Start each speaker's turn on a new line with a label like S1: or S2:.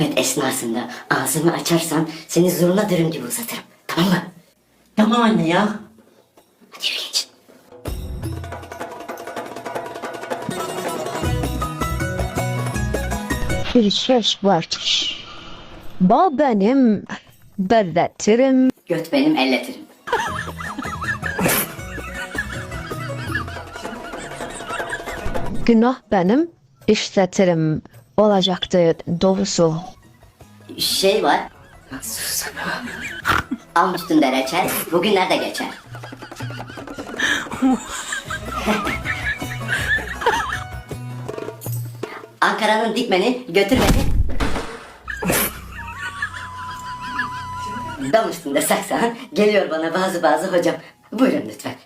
S1: sohbet esnasında ağzımı açarsan seni zurna dürüm gibi uzatırım. Tamam mı?
S2: Tamam anne ya.
S1: Hadi yürü geç.
S3: Bir söz vardır. Bal benim, berretirim.
S1: Göt benim elletirim.
S3: Günah benim, işletirim. Olacaktı doğrusu.
S1: Şey var. Sus. Almıştın da reçel, bugünlerde geçer. Ankara'nın dikmeni götür beni. Dam üstünde saksan geliyor bana bazı hocam. Buyurun lütfen.